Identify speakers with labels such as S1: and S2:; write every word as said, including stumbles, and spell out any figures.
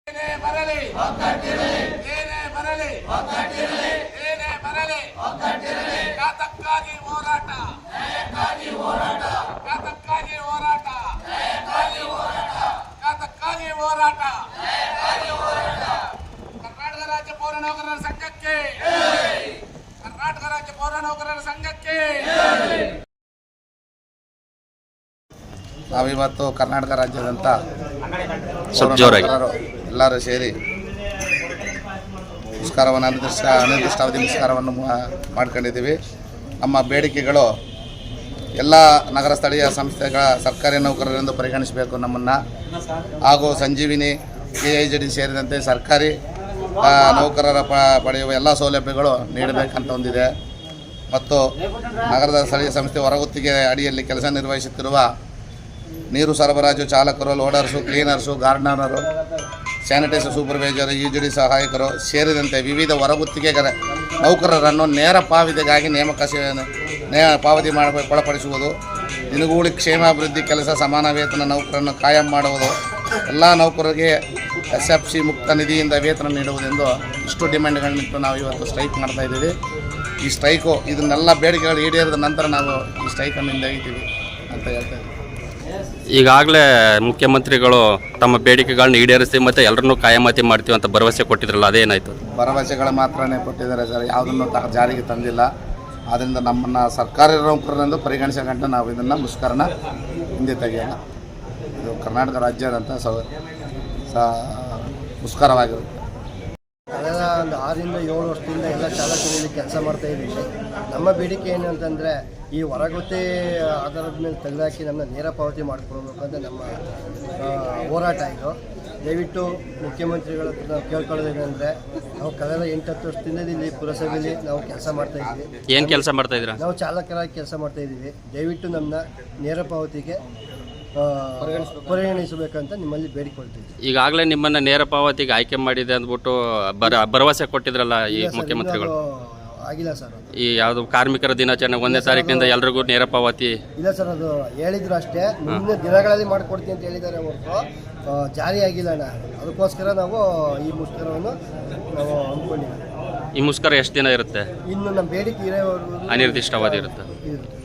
S1: ಏನೇ ಬರಲಿ ಏನೇ ಬರಲಿ ಏನೇ ಬರಲಿ ಘಾತಕ್ಕಾಗಿ ಹೋರಾಟ ಘಾತಕ್ಕಾಗಿ ಹೋರಾಟ ಘಾತಕ್ಕಾಗಿ ಹೋರಾಟ ಕರ್ನಾಟಕ ರಾಜ್ಯ ಪೌರ ನೌಕರರ ಸಂಘಕ್ಕೆ ಕರ್ನಾಟಕ ರಾಜ್ಯ ಪೌರ ನೌಕರರ ಸಂಘಕ್ಕೆ
S2: ನಾವಿವತ್ತು ಕರ್ನಾಟಕ ರಾಜ್ಯದಂತ ಎಲ್ಲರೂ ಸೇರಿ ಮುಷ್ಕರವನ್ನು ಅನಿರ್ದಿಷ್ಟ ಅನಿರ್ದಿಷ್ಟಾವಧಿ ಮುಷ್ಕರವನ್ನು ಮಾಡ್ಕೊಂಡಿದ್ದೀವಿ. ನಮ್ಮ ಬೇಡಿಕೆಗಳು ಎಲ್ಲ ನಗರ ಸ್ಥಳೀಯ ಸಂಸ್ಥೆಗಳ ಸರ್ಕಾರಿ ನೌಕರರೆಂದು ಪರಿಗಣಿಸಬೇಕು ನಮ್ಮನ್ನು, ಹಾಗೂ Sanjeevini K I J D ಸೇರಿದಂತೆ ಸರ್ಕಾರಿ ನೌಕರರ ಪ ಪಡೆಯುವ ಎಲ್ಲ ಸೌಲಭ್ಯಗಳು ನೀಡಬೇಕಂತ ಹೊಂದಿದೆ. ಮತ್ತು ನಗರದ ಸ್ಥಳೀಯ ಸಂಸ್ಥೆ ಹೊರಗುತ್ತಿಗೆ ಅಡಿಯಲ್ಲಿ ಕೆಲಸ ನಿರ್ವಹಿಸುತ್ತಿರುವ ನೀರು ಸರಬರಾಜು ಚಾಲಕರು, ಲೋಡರ್ಸು, ಕ್ಲೀನರ್ಸು, ಗಾರ್ಡನರು, sanitiser supervisor, U G D ಸಹಾಯಕರು ಸೇರಿದಂತೆ ವಿವಿಧ ಹೊರಗುತ್ತಿಗೆಗಳ ನೌಕರರನ್ನು ನೇರ ಪಾವತಿಗಾಗಿ ನೇಮಕ ನೇ ಪಾವತಿ ಮಾಡ ಒಳಪಡಿಸುವುದು, ದಿನಗೂಲಿ ಕ್ಷೇಮಾಭಿವೃದ್ಧಿ ಕೆಲಸ ಸಮಾನ ವೇತನ ನೌಕರನ್ನು ಕಾಯಂ ಮಾಡುವುದು, ಎಲ್ಲ ನೌಕರರಿಗೆ ಎಸ್ ಎಫ್ ಸಿ ಮುಕ್ತ ನಿಧಿಯಿಂದ ವೇತನ ನೀಡುವುದೆಂದು ಇಷ್ಟು ಡಿಮ್ಯಾಂಡ್ಗಳನ್ನಿಟ್ಟು ನಾವು ಇವತ್ತು ಸ್ಟ್ರೈಕ್ ಮಾಡ್ತಾಯಿದ್ದೀವಿ. ಈ ಸ್ಟ್ರೈಕು ಇದನ್ನೆಲ್ಲ ಬೇಡಿಕೆಗಳು ಈಡೇರಿದ ನಂತರ ನಾವು ಈ ಸ್ಟ್ರೈಕನ್ನು ಹಿಂದೆಗಿತೀವಿ ಅಂತ ಹೇಳ್ತಾಯಿದ್ದೀವಿ.
S3: ಈಗಾಗಲೇ ಮುಖ್ಯಮಂತ್ರಿಗಳು ತಮ್ಮ ಬೇಡಿಕೆಗಳನ್ನ ಈಡೇರಿಸಿ ಮತ್ತು ಎಲ್ಲರನ್ನೂ ಕಾಯಮಾತಿ ಮಾಡ್ತೀವಿ ಅಂತ ಭರವಸೆ ಕೊಟ್ಟಿದ್ರಲ್ಲ, ಅದೇನಾಯಿತು?
S2: ಭರವಸೆಗಳು ಮಾತ್ರನೇ ಕೊಟ್ಟಿದ್ದಾರೆ ಸರ್, ಯಾವುದನ್ನು ತ ಜಾರಿಗೆ ತಂದಿಲ್ಲ. ಆದ್ದರಿಂದ ನಮ್ಮನ್ನು ಸರ್ಕಾರಿ ನೌಕರರೆಂದು ಪರಿಗಣಿಸಿಕೊಂಡು ನಾವು ಇದನ್ನು ಮುಷ್ಕರನ ಹಿಂದೆ ತೆಗೆಯೋಣ. ಇದು ಕರ್ನಾಟಕ ರಾಜ್ಯದಂಥ ಸ ಮುಷ್ಕರವಾಗಿರುತ್ತೆ.
S4: ಕಳೆದ ಒಂದು ಆರರಿಂದ ಏಳು ವರ್ಷದಿಂದ ಎಲ್ಲ ಚಾಲಕರಲ್ಲಿ ಕೆಲಸ ಮಾಡ್ತಾಯಿದ್ದೀವಿ. ನಮ್ಮ ಬೇಡಿಕೆ ಏನು ಅಂತಂದರೆ ಈ ಹೊರಗುತ್ತೆ ಆಧಾರದ ಮೇಲೆ ತೆಗೆದುಹಾಕಿ ನಮ್ಮನ್ನ ನೇರ ಪಾವತಿ ಮಾಡಿಕೊಡ್ಬೇಕು ಅಂತ ನಮ್ಮ ಹೋರಾಟ ಇದು. ದಯವಿಟ್ಟು ಮುಖ್ಯಮಂತ್ರಿಗಳ ಹತ್ರ ನಾವು ಕೇಳ್ಕೊಳ್ಳೋದೇನೆಂದರೆ, ನಾವು ಕಳೆದ ಎಂಟು ಹತ್ತು ವರ್ಷದಿಂದ ಇಲ್ಲಿ ಪುರಸಭೆಯಲ್ಲಿ ನಾವು ಕೆಲಸ ಮಾಡ್ತಾಯಿದ್ದೀವಿ.
S3: ಏನು ಕೆಲಸ ಮಾಡ್ತಾಯಿದ್ದೀರಾ?
S4: ನಾವು ಚಾಲಕರಾಗಿ ಕೆಲಸ ಮಾಡ್ತಾಯಿದ್ದೀವಿ. ದಯವಿಟ್ಟು ನಮ್ಮನ್ನ ನೇರ ಪಾವತಿಗೆ ಪರಿಗಣಿಸಬೇಕಂತ ನಿಮ್ಮಲ್ಲಿ ಬೇಡಿಕೊಳ್ತೀವಿ.
S3: ಈಗಾಗಲೇ ನಿಮ್ಮನ್ನು ನೇರ ಪಾವತಿಗೆ ಆಯ್ಕೆ ಮಾಡಿದೆ ಅಂದ್ಬಿಟ್ಟು ಬರ ಭರವಸೆ ಕೊಟ್ಟಿದ್ರಲ್ಲ ಈ ಮುಖ್ಯಮಂತ್ರಿಗಳು?
S4: ಆಗಿಲ್ಲ ಸರ್.
S3: ಈ ಯಾವುದು ಕಾರ್ಮಿಕರ ದಿನಾಚರಣೆ ಒಂದನೇ ತಾರೀಕಿನಿಂದ ಎಲ್ರಿಗೂ ನೇರ ಪಾವತಿ
S4: ಇಲ್ಲ ಸರ್, ಅದು ಹೇಳಿದ್ರು ಅಷ್ಟೇ. ಮುಂದಿನ ದಿನಗಳಲ್ಲಿ ಮಾಡಿಕೊಡ್ತೀನಿ ಅಂತ ಹೇಳಿದ್ದಾರೆ ಹೊರತು ಜಾರಿ ಆಗಿಲ್ಲ ಅಣ್ಣ. ಅದಕ್ಕೋಸ್ಕರ ನಾವು ಈ ಮುಷ್ಕರವನ್ನು ನಾವು ಅಂದ್ಕೊಂಡಿದ್ದೀವಿ.
S3: ಈ ಮುಷ್ಕರ ಎಷ್ಟು ದಿನ ಇರುತ್ತೆ?
S4: ಇನ್ನು ನಮ್ಮ ಬೇಡಿಕೆ ಇರೋವರೆಗೂ
S3: ಅನಿರ್ದಿಷ್ಟಾವಧಿ ಇರುತ್ತೆ.
S4: ಇರುತ್ತೆ.